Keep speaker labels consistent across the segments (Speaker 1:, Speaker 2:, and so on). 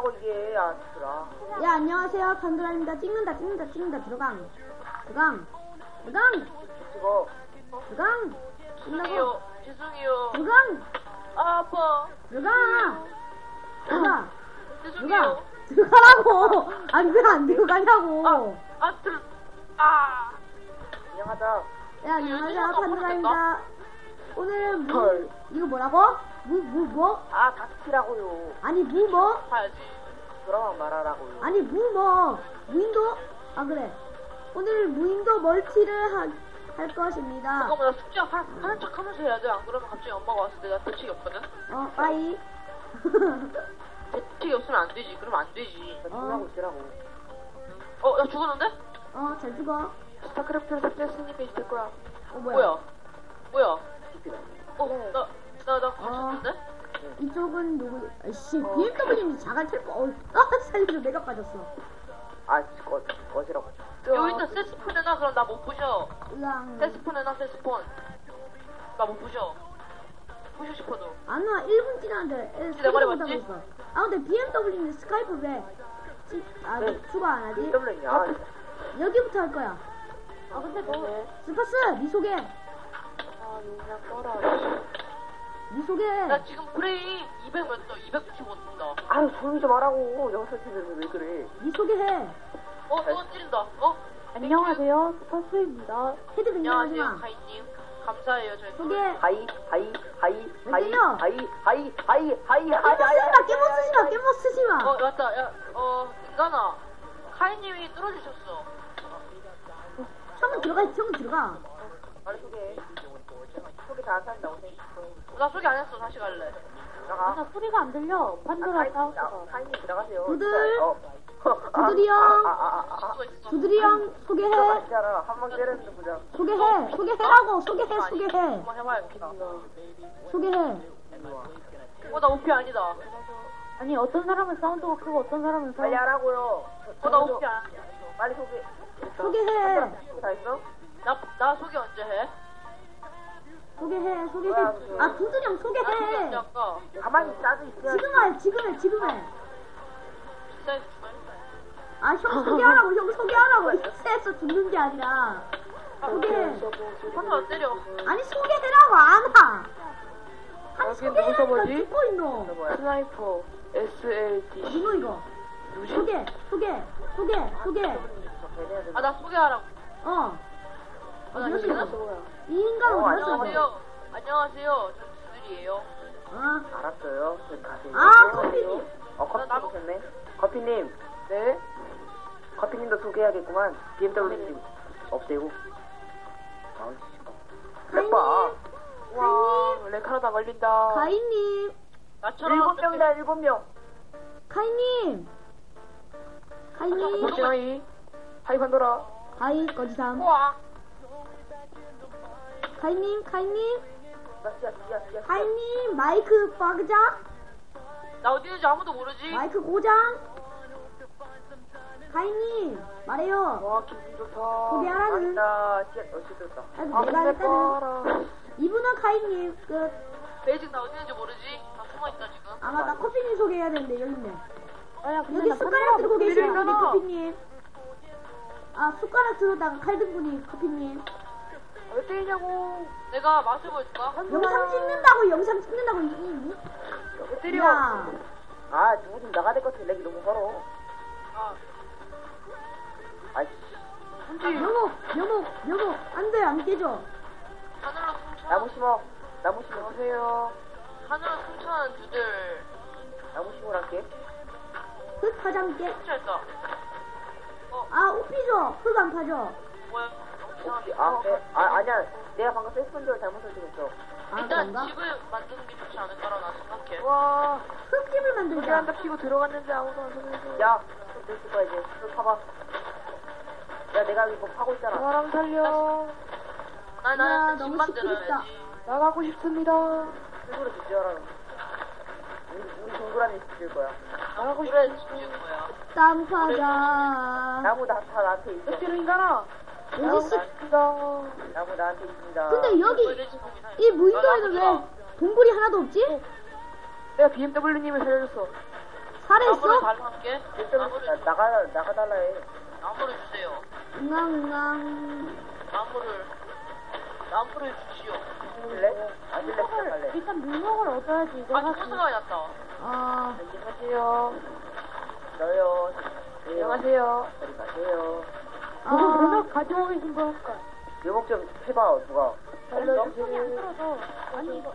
Speaker 1: 뭐라고 이게 들어.
Speaker 2: 야 안녕하세요 판도라입니다. 찍는다 들어강
Speaker 1: 찍어.
Speaker 2: 끝나고
Speaker 3: 죄송해요.
Speaker 2: 들어강
Speaker 3: 아파.
Speaker 2: 들어가라고. 아니 왜 안 들어가냐고.
Speaker 1: 안녕하자.
Speaker 2: 야 안녕하세요 판도라입니다. 오늘은 이거 뭐라고? 뭐?
Speaker 1: 닥치라고요.
Speaker 2: 아니 뭐?
Speaker 3: 가야지.
Speaker 1: 그러면 말하라고요.
Speaker 2: 아니 무인도? 아 그래. 오늘 무인도 멀티를 할 것입니다.
Speaker 3: 잠깐만 나 숙제 하는 척 하면서 해야 돼. 안 그러면 갑자기 엄마가 왔을 때 나 대책이 없거든.
Speaker 2: 빠이.
Speaker 3: 대책이 없으면 안 되지. 그러면 안 되지.
Speaker 1: 나 중요하고 있으라고.
Speaker 3: 나 죽었는데?
Speaker 2: 잘 죽어.
Speaker 3: 스타크래프트를 삭제했으니까 이제 될 거야.
Speaker 2: 뭐야?
Speaker 3: 나 갇혔는데?
Speaker 2: 이쪽은 누구? 아이씨, BMW는 자갈 탈 거. 살려줘, 내가 빠졌어.
Speaker 1: 꺼지라고.
Speaker 3: 여기 있다. 세스폰 해놔. 그럼 나 못 부셔.
Speaker 2: 으앙.
Speaker 3: 세스폰 해놔. 세스폰. 나 못 부셔. 부셔 싶어도.
Speaker 2: 안 와, 1분 지났는데.
Speaker 3: 내 말이 맞지?
Speaker 2: 근데 BMW는 스카이프 왜? 추가 안 하지?
Speaker 1: BMW냐?
Speaker 2: 여기부터 할 거야.
Speaker 3: 근데 너.
Speaker 2: 스파스, 니 소개.
Speaker 3: 그냥 꺼라.
Speaker 2: 니 소개.
Speaker 3: 나 지금 브레인 200 몇 도? 295 뜬다.
Speaker 1: 조용히 좀 하라고. 영상 찍으면서 왜 그래?
Speaker 2: 니 소개해.
Speaker 3: 또 찌른다.
Speaker 4: 안녕하세요, 스파스입니다.
Speaker 2: 헤드
Speaker 3: 안녕하세요,
Speaker 2: 등장하지마.
Speaker 3: 카이님. 감사해요, 저희.
Speaker 2: 소개.
Speaker 1: 하이.
Speaker 2: 깨모 쓰지마.
Speaker 3: 맞다. 야, 인간아. 카이님이 뚫어주셨어.
Speaker 2: 형은 들어가.
Speaker 1: 빨리 소개. 소개 다 한다.
Speaker 3: 나 소개 안 했어. 다시 갈래.
Speaker 1: 들어가.
Speaker 4: 소리가 안 들려. 판도라
Speaker 1: 카이님 들어가세요.
Speaker 2: 두들이 형 소개해.
Speaker 1: 한번 때렸는데 보자.
Speaker 2: 소개해라고. 소개해.
Speaker 3: 한번 해봐야겠다.
Speaker 2: 소개해.
Speaker 3: 나 오피 아니다.
Speaker 4: 아니, 어떤 사람은 사운드가 크고 어떤 사람은
Speaker 1: 빨리 하라고요.
Speaker 3: 나 오피 아니야.
Speaker 1: 빨리 소개.
Speaker 2: 소개해.
Speaker 1: 다 했어?
Speaker 3: 나 소개 언제 해?
Speaker 2: 소개해. 두들이 형
Speaker 3: 나 소개 언제
Speaker 2: 소개해.
Speaker 3: 할까?
Speaker 1: 가만히 싸져 있어야
Speaker 2: 지금 해.
Speaker 3: 진짜 주말?
Speaker 2: 형 소개하라고. 형 소개하라고. 익스에서 죽는 게 아니라. 소개해.
Speaker 3: 한번 때려.
Speaker 2: 아니 소개해라고 안 와. 아니 소개해라니까
Speaker 4: 뭐지?
Speaker 2: 듣고 있노.
Speaker 4: 스나이퍼 SLD.
Speaker 2: 누구 이거? 소개.
Speaker 3: 나 소개하라고.
Speaker 2: 어디
Speaker 3: 나
Speaker 2: 갔어?
Speaker 3: 지금?
Speaker 2: 이 인간 어디 갔어?
Speaker 3: 안녕하세요. 저 두들이에요.
Speaker 1: 알았어요. 가세요.
Speaker 2: 커피님.
Speaker 1: 커피님 오셨네. 커피님. 네? 커피님도 소개해야겠구만. BMW님 없애고.
Speaker 2: 가인님.
Speaker 3: 와, 레카르다 걸린다.
Speaker 2: 가인님.
Speaker 3: 나처럼
Speaker 1: 7명이다. 7명.
Speaker 2: 가인님.
Speaker 1: 하이 판도라.
Speaker 2: 가인 거지삼.
Speaker 3: 와.
Speaker 2: 가인님.
Speaker 1: 야.
Speaker 2: 가인님 마이크 박자.
Speaker 3: 나 어디 있는지 아무도 모르지.
Speaker 2: 마이크 고장. 가인님 말해요.
Speaker 1: 와, 기분 좋다.
Speaker 2: 소개하라는.
Speaker 1: 됐다.
Speaker 2: 내가 했다는. 이분은 가인님 끝.
Speaker 3: 베이징 나 어디 있는지 모르지. 다 숨어있다 지금.
Speaker 2: 나 커피님 소개해야 되는데 여기 있네.
Speaker 4: 근데
Speaker 2: 여기
Speaker 4: 나
Speaker 2: 숟가락 들고 계시는 분이
Speaker 4: 있잖아.
Speaker 2: 커피님. 숟가락 들었다가 칼 든 분이 커피님.
Speaker 1: 왜 때리냐고.
Speaker 3: 내가 맛을 보여줄까?
Speaker 2: 영상 찍는다고
Speaker 1: 왜 때려.
Speaker 2: 야.
Speaker 1: 누구 좀 나가야 될 것 같아. 렉이 너무 걸어.
Speaker 2: 여목 안돼 안 깨져.
Speaker 3: 하늘로 숨차.
Speaker 1: 나무 심어. 하세요.
Speaker 3: 하늘로 숨차는 두들.
Speaker 1: 나무 심으랄게.
Speaker 2: 흙 파장 깨.
Speaker 3: 숨차했다.
Speaker 2: 옷피죠. 흙 안 파죠.
Speaker 3: 뭐야?
Speaker 1: 혹시 아니야. 내가 방금 세스펀저를 잘못 설정했어.
Speaker 3: 일단
Speaker 2: 그런가?
Speaker 3: 집을 만드는 게 좋지 않을까라고 난 생각해.
Speaker 1: 와.
Speaker 2: 흙집을 만들자.
Speaker 4: 피고 들어갔는데 아무도 안 소개해줘.
Speaker 1: 야, 흙 있을 거야 이제. 흙 파봐. 야, 내가 이거 파고 있잖아.
Speaker 4: 사람 살려.
Speaker 3: 나는 집
Speaker 2: 너무
Speaker 3: 만들어야지.
Speaker 2: 시끄럽다.
Speaker 4: 나가고 싶습니다.
Speaker 1: 흙으로 집 지어라. 우리 동그라미 집 지을 거야.
Speaker 3: 나하고 싶은 집 지을 거야.
Speaker 2: 땅 파자.
Speaker 1: 나무 다 나한테 있어.
Speaker 4: 뼈로 인간아.
Speaker 2: 왠지
Speaker 1: 나무 나한테 있습니다.
Speaker 2: 근데 여기 이 무인도에는 왜 동굴이 하나도 없지?
Speaker 4: 내가 BMW님을 살려줬어.
Speaker 3: 나무를
Speaker 2: 살아있어?
Speaker 3: 달라할게.
Speaker 1: 나가달라 해.
Speaker 3: 나무를 주세요.
Speaker 2: 응앙응앙.
Speaker 3: 나무를 주시오.
Speaker 1: 줄래? 안 줄래? 시작할래.
Speaker 2: 일단 물먹을 얻어야지.
Speaker 3: 아, 무슨 생각이 났다.
Speaker 4: 안녕하세요.
Speaker 1: 저요.
Speaker 4: 안녕하세요.
Speaker 1: 저리 가세요.
Speaker 2: 물먹
Speaker 4: 가지고 계신 분 할까?
Speaker 1: 요목 좀 해봐, 누가.
Speaker 4: 알려주세요.
Speaker 2: 아니 이거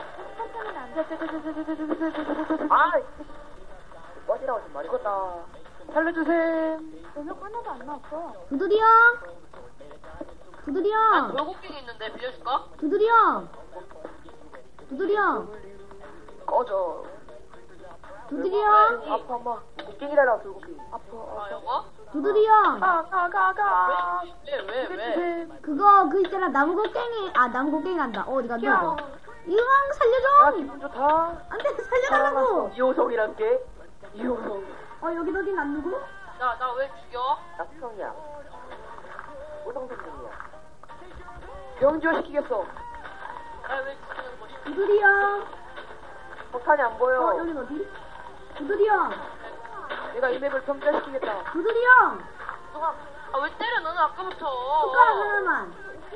Speaker 1: 아! 꺼지라고 좀 말이
Speaker 4: 이거다. 살려주세요.
Speaker 2: 물먹 하나도 안 나왔어. 두들이 형. 두들이
Speaker 3: 아,
Speaker 2: 형.
Speaker 3: 돌고갱이 있는데 빌려줄까?
Speaker 2: 두들이 형. 두들이 형.
Speaker 4: 꺼져.
Speaker 2: 두들이 형.
Speaker 4: 아파, 엄마.
Speaker 1: 곡괭이 달라고, 돌곡괭이.
Speaker 3: 아, 이거?
Speaker 2: 두들이 형.
Speaker 4: 가.
Speaker 3: 왜?
Speaker 2: 그거 있잖아 나무 곡괭이 간다. 어디 간다 이거. 이왕
Speaker 4: 아,
Speaker 2: 살려줘.
Speaker 4: 기분 좋다.
Speaker 2: 안돼 살려달라고.
Speaker 1: 이호성이란 게? 이호성.
Speaker 2: 여기 어딘 안 누구?
Speaker 3: 나 왜 죽여?
Speaker 1: 나 수성이야. 호성선생이야.
Speaker 4: 병지화 시키겠어.
Speaker 3: 나 왜 죽이는 거지?
Speaker 2: 두들이 형.
Speaker 1: 폭탄이 안 보여.
Speaker 2: 여긴 어디? 두들이 형.
Speaker 4: 내가 이 맵을 병지화 시키겠다.
Speaker 2: 두들이 형.
Speaker 3: 왜 때려, 너는 아까부터.
Speaker 2: 숟가락 하나만.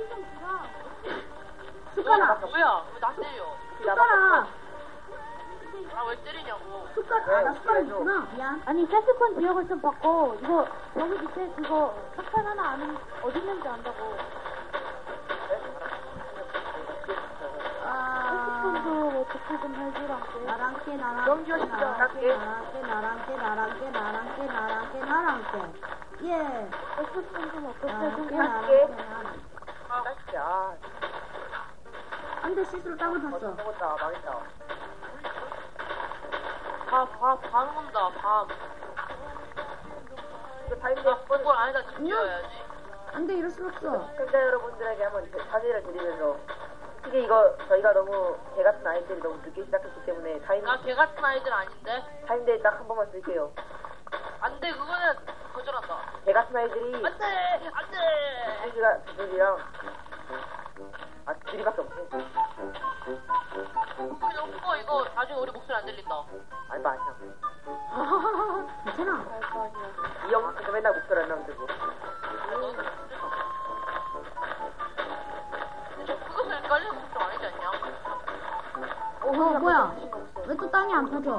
Speaker 2: 숟가락.
Speaker 3: 뭐야? 왜 나 때려?
Speaker 2: 숟가락.
Speaker 3: 왜 때리냐고.
Speaker 2: 나 숟가락 있구나. 미안.
Speaker 5: 아니 세스콘 지역을 좀 바꿔. 이거 여기 밑에 그거 석탄 하나 아는 어디 있는지 안다고. 세스콘도 뭐 어떻게 좀 해주라고.
Speaker 2: 나랑 깨
Speaker 4: 경기가 쉽다.
Speaker 2: 예.
Speaker 5: 세스콘 좀 어떻게 좀
Speaker 1: 할게.
Speaker 2: 나랑.
Speaker 1: 아,
Speaker 2: 안돼 실수로 땅을 팠어.
Speaker 1: 먹었다. 망했다.
Speaker 3: 밤 온다, 밤.
Speaker 1: 이거 타임대
Speaker 3: 그걸 안에다 집지어야지.
Speaker 2: 안돼 이럴 수 없어.
Speaker 1: 시청자 여러분들에게 한번 사죄를 드리면서 솔직히 이거 저희가 너무 개 같은 아이들이 너무 늦게 시작했기 때문에
Speaker 3: 나 개 같은 아이들 아닌데?
Speaker 1: 타임데이 딱 한 번만 쓸게요.
Speaker 3: 안 돼, 그거는 거절한다.
Speaker 1: 개 같은 아이들이
Speaker 3: 안 돼! 안 돼!
Speaker 1: 수지가 수지랑 둘이밖에 없어.
Speaker 3: 그냥 오빠 이거 나중에 우리 목소리 안 들린다.
Speaker 1: 아니 뭐 아니야.
Speaker 2: 괜찮아.
Speaker 1: 이 영상에서 맨날 목소리 안 나면 되고.
Speaker 3: 근데 저 그것을 깔려서 좀 아니지 않냐?
Speaker 2: 뭐야? 왜 또 땅이 안 터져?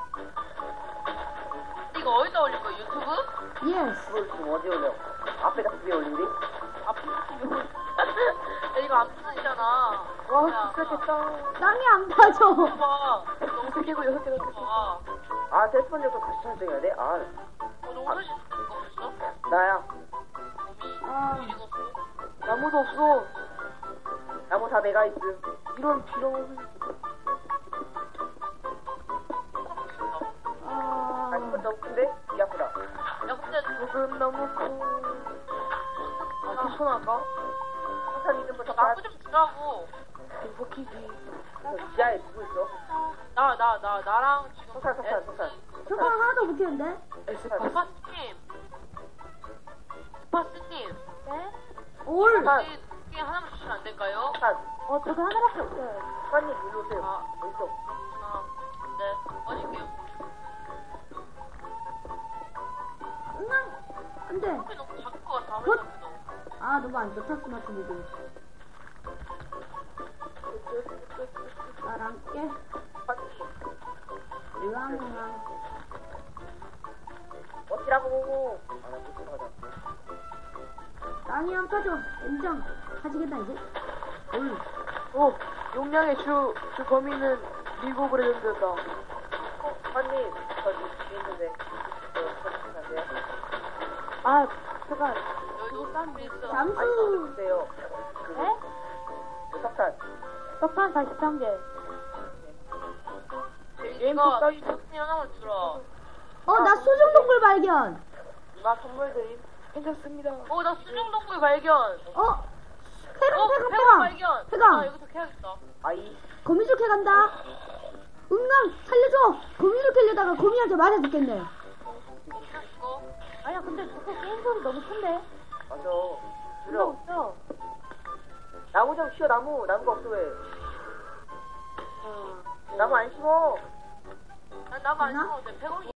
Speaker 3: 이거 어디다 올릴 거야? 유튜브?
Speaker 2: 예스.
Speaker 1: 그걸 지금 어디 올려? 앞에다 위에 올린디?
Speaker 3: 야, 이거 안 부서지잖아.
Speaker 4: 와, 진짜 됐다.
Speaker 2: 땅이 안 터져.
Speaker 3: 봐봐. 너무
Speaker 4: 세 개고 여섯 개가 됐어.
Speaker 3: 봐.
Speaker 1: 아 셀프폰에서 같이 설정해야 돼? 아
Speaker 3: 너무 멋있는 거 없어?
Speaker 1: 나야.
Speaker 3: 이거
Speaker 4: 나무도 없어.
Speaker 1: 나무 다 내가 있음.
Speaker 4: 이런 비룡.
Speaker 1: 아 이건 너무 큰데? 귀 아프다.
Speaker 3: 야, 근데
Speaker 4: 조금 너무 커. 아, 괜찮을까?
Speaker 1: 폭탄 이름부터
Speaker 3: 나쁘 좀 주라고.
Speaker 4: 행복이지.
Speaker 1: 지하에 누구 있어?
Speaker 3: 나랑 지금
Speaker 1: 폭탄.
Speaker 2: 저거 하나도 못 했는데?
Speaker 3: 스파스님.
Speaker 5: 네?
Speaker 2: 올.
Speaker 3: 우리 게임 하나만 주시면 안 될까요?
Speaker 1: 폭탄.
Speaker 5: 저거 하나밖에 없어요.
Speaker 1: 폭탄님 일로 오세요.
Speaker 3: 아.
Speaker 1: 어딨어?
Speaker 3: 네, 어딜게요.
Speaker 2: 안돼.
Speaker 3: 커피 너무 작을 것 같아.
Speaker 2: 헛!
Speaker 3: 아무래도.
Speaker 2: 너무 안 좋다 스마트보드. 나랑 깨. 으앙으앙.
Speaker 1: 어찌라고? 아나 불쌍하다.
Speaker 2: 땅이 안 터져. 인정. 가지겠다 이제. 올.
Speaker 4: 용량의 주 범위는 미국으로 연결됐다.
Speaker 1: 폭탄님 저 뒤에 있는데 저 가세요.
Speaker 5: 아 잠깐.
Speaker 3: 여기도 땀이 있어.
Speaker 1: 아니
Speaker 2: 잠수.
Speaker 1: 주세요.
Speaker 5: 네?
Speaker 1: 석탄.
Speaker 5: 석탄 43개.
Speaker 3: 이거 스님 하나만 주라.
Speaker 2: 나 수중동굴 발견.
Speaker 1: 나 선물 드림.
Speaker 4: 괜찮습니다.
Speaker 3: 나 수중동굴 발견.
Speaker 2: 폐강.
Speaker 3: 발견.
Speaker 2: 폐강.
Speaker 3: 아, 여기서 캐야겠다.
Speaker 1: 아이
Speaker 2: 거미줄 캐 간다. 응강 살려줘. 거미줄 캐려다가 거미한테 맞아 죽겠네.
Speaker 3: 이거.
Speaker 5: 아니야 근데 저거 게임 소리 너무 큰데.
Speaker 1: 맞아.
Speaker 5: 이거
Speaker 1: 줄여.
Speaker 5: 없어.
Speaker 1: 나무 좀 쉬어 나무가 없어 왜? 나무 안 심어.
Speaker 3: 난 나만 안 심어도 돼. 100원이